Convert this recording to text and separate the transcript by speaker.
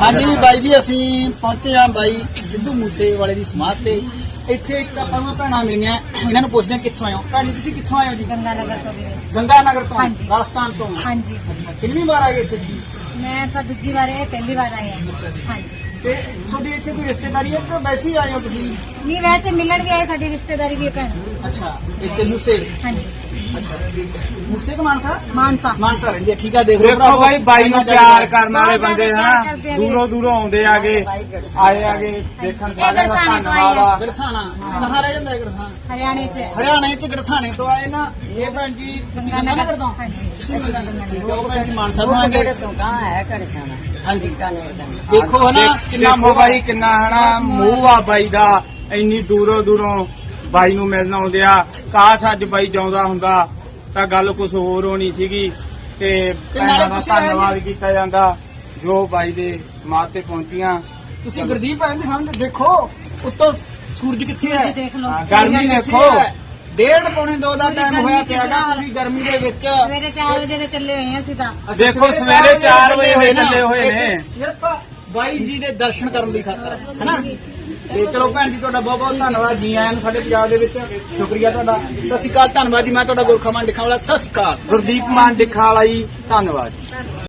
Speaker 1: ਹਾਂਜੀ ਬਾਈ ਜੀ ਅਸੀਂ ਪਹੁੰਚੇ ਆ ਬਾਈ ਸਿੱਧੂ ਮੂਸੇ ਵਾਲੇ ਦੀ ਸਮਾਧ ਤੇ। ਇੱਥੇ ਇੱਕ ਆਪਾਂ ਭੈਣਾਂ ਮਿਲੀਆਂ, ਇਹਨਾਂ ਨੂੰ ਪੁੱਛਦੇ ਕਿੱਥੋਂ ਆਏ ਹੋ। ਭੈਣ ਜੀ ਤੁਸੀਂ ਕਿੱਥੋਂ ਆਏ ਹੋ ਜੀ?
Speaker 2: ਗੰਗਾਨਗਰ ਤੋਂ ਵੀਰੇ।
Speaker 1: ਗੰਗਾਨਗਰ ਤੋਂ,
Speaker 2: ਹਾਂਜੀ।
Speaker 1: ਰਾਜਸਥਾਨ ਤੋਂ।
Speaker 2: ਹਾਂਜੀ।
Speaker 1: ਅੱਛਾ, ਕਿੰਨੀ ਵਾਰ ਆਏ ਇੱਥੇ ਤੁਸੀਂ?
Speaker 2: ਮੈਂ ਤਾਂ ਦੂਜੀ ਵਾਰ ਆਈ, ਪਹਿਲੀ ਵਾਰ ਆਈ ਹਾਂ।
Speaker 1: ਅੱਛਾ ਜੀ।
Speaker 2: ਹਾਂਜੀ।
Speaker 1: ਤੇ ਤੁਹਾਡੀ ਇੱਥੇ ਕੋਈ ਰਿਸ਼ਤੇਦਾਰੀ ਹੈ ਕਿ ਵੈਸੇ ਹੀ ਆਏ ਹੋ ਤੁਸੀਂ?
Speaker 2: ਨਹੀਂ ਵੈਸੇ ਮਿਲਣ ਵੀ ਆਏ, ਸਾਡੀ ਰਿਸ਼ਤੇਦਾਰੀ ਵੀ ਹੈ ਭੈਣ।
Speaker 1: ਅੱਛਾ, ਇੱਥੇ ਮੂਸੇ।
Speaker 2: ਹਾਂਜੀ।
Speaker 1: ਅੱਛਾ ਠੀਕ ਹੈ। ਮੂਸੇ ਕੋ ਮਾਨਸਾ?
Speaker 2: ਮਾਨਸਾ।
Speaker 1: ਮਾਨਸਾ ਰਹਿੰਦੇ। ਠੀਕ ਆ, ਦੇਖ ਲਓ
Speaker 3: ਦੇਖੋ ਬਾਈ, ਬਾਈ ਨੂੰ ਪਿਆਰ ਕਰਨ ਵਾਲੇ
Speaker 2: ਬਹੁਤ
Speaker 3: ਬੰਦੇ
Speaker 2: ਜ਼ਿਆਦਾ
Speaker 3: ਹਨਾ,
Speaker 2: ਪਿਆਰ ਕਰਦੇ ਆ
Speaker 3: ਦੂਰੋਂ ਦੂਰੋਂ ਆਉਂਦੇ ਆਗੇ, ਆਏ ਆਗੇ ਦੇਖਣ
Speaker 2: ਇਹ
Speaker 3: ਸਾਰਿਆਂ ਦਾ
Speaker 2: ਗੜਸਾਣੇ ਤੋਂ ਆਏ ਆ।
Speaker 3: ਧੰਨਵਾਦ।
Speaker 1: ਗੜਸਾਣਾ ਕਹਾਂ ਰਹਿ ਜਾਂਦਾ ਹੈ ਗੜਸਾਣਾ?
Speaker 2: ਹਰਿਆਣੇ ਚ।
Speaker 1: ਹਰਿਆਣੇ ਚ ਗੜਸਾਣੇ ਤੋਂ ਆਏ ਨਾ ਇਹ ਭੈਣ ਜੀ। ਤੁਸੀਂ ਗੰਗਾਨਗਰ ਤੋਂ?
Speaker 2: ਹਾਂਜੀ।
Speaker 1: ਤੁਸੀਂ ਗੰਗਾਨਗਰ ਤੋਂ ਭੈਣ ਜੀ ਮਾਨਸਾ ਤੋਂ ਆਏ।
Speaker 4: ਤੋਂ ਕਹਾਂ ਹੈ ਘੜਸਾਣਾ
Speaker 1: ਹਾਂਜੀ
Speaker 4: ਬੀਕਾਨੇਰ ਦਾ।
Speaker 1: ਦੇਖੋ ਹਨਾ ਕਿੰਨਾ
Speaker 3: ਦੇਖੋ
Speaker 1: ਮੋਹ
Speaker 3: ਬਾਈ, ਕਿੰਨਾ ਹਨਾ ਮੂੰਹ ਆ ਬਾਈ ਦਾ, ਇੰਨੀ ਦੂਰੋਂ ਦੂਰੋਂ ਬਾਈ ਨੂੰ ਮਿਲਣ ਆਉਂਦੇ ਆ। ਕਾਸ਼ ਅੱਜ ਬਾਈ ਜਾਉਂਦਾ ਹੁੰਦਾ ਤਾਂ ਗੱਲ ਕੁਝ ਹੋਰ ਹੋਣੀ ਸੀਗੀ ਤੇ ਭੈਣਾਂ ਦਾ
Speaker 1: ਤੁਸੀਂ
Speaker 3: ਧੰਨਵਾਦ ਕੀਤਾ ਜਾਂਦਾ ਜੋ ਬਾਈ ਦੇ ਸਮਾਧ ਤੇ ਪਹੁੰਚੀਆਂ।
Speaker 1: ਤੁਸੀਂ ਗੁਰਦੀਪ ਆਏ ਦੇ ਸਾਹਮਣੇ ਦੇਖੋ, ਉੱਤੋਂ ਸੂਰਜ ਕਿੱਥੇ ਹੈ?
Speaker 2: ਦੇਖ ਲਓ।
Speaker 3: ਗਰਮੀ ਦੇਖੋ।
Speaker 1: 1:30-2 ਦਾ ਟਾਈਮ
Speaker 2: ਗਰਮੀ
Speaker 1: ਹੋਇਆ
Speaker 2: ਚ
Speaker 1: ਪਿਆਗਾ
Speaker 2: ਬੁਰਾ ਹਾਲ।
Speaker 1: ਪੂਰੀ ਗਰਮੀ ਦੇ ਵਿੱਚ।
Speaker 2: ਸਵੇਰੇ 4 ਵਜੇ ਦੇ ਚੱਲੇ ਹੋਏ ਆ ਅਸੀਂ ਤਾਂ।
Speaker 3: ਦੇਖੋ ਸਵੇਰੇ 4 ਵਜੇ ਹੋਏ ਚੱਲੇ ਹੋਏ ਨੇ।
Speaker 1: ਸਿਰਫ ਬਾਈ ਜੀ ਦੇ ਦਰਸ਼ਨ ਕਰਨ ਦੀ ਖਾਤਰ ਹੈਨਾ। ਤੇ ਚਲੋ ਭੈਣ ਜੀ, ਤੁਹਾਡਾ ਬਹੁਤ ਬਹੁਤ ਧੰਨਵਾਦ। ਜੀ ਆਇਆਂ ਨੂੰ ਸਾਡੇ ਪੰਜਾਬ ਦੇ ਵਿੱਚ, ਸ਼ੁਕਰੀਆ ਤੁਹਾਡਾ। ਸਤਿ ਸ਼੍ਰੀ ਅਕਾਲ, ਧੰਨਵਾਦ ਜੀ। ਮੈਂ ਤੁਹਾਡਾ ਗੁਰਖਾ ਮਾਨ ਡਿੱਖਾਂ ਵਾਲਾ। ਸਤਿ ਸ਼੍ਰੀ ਅਕਾਲ।
Speaker 3: ਗੁਰਦੀਪ ਮਾਨ ਡਿੱਖਾ ਵਾਲਾ ਜੀ, ਧੰਨਵਾਦ।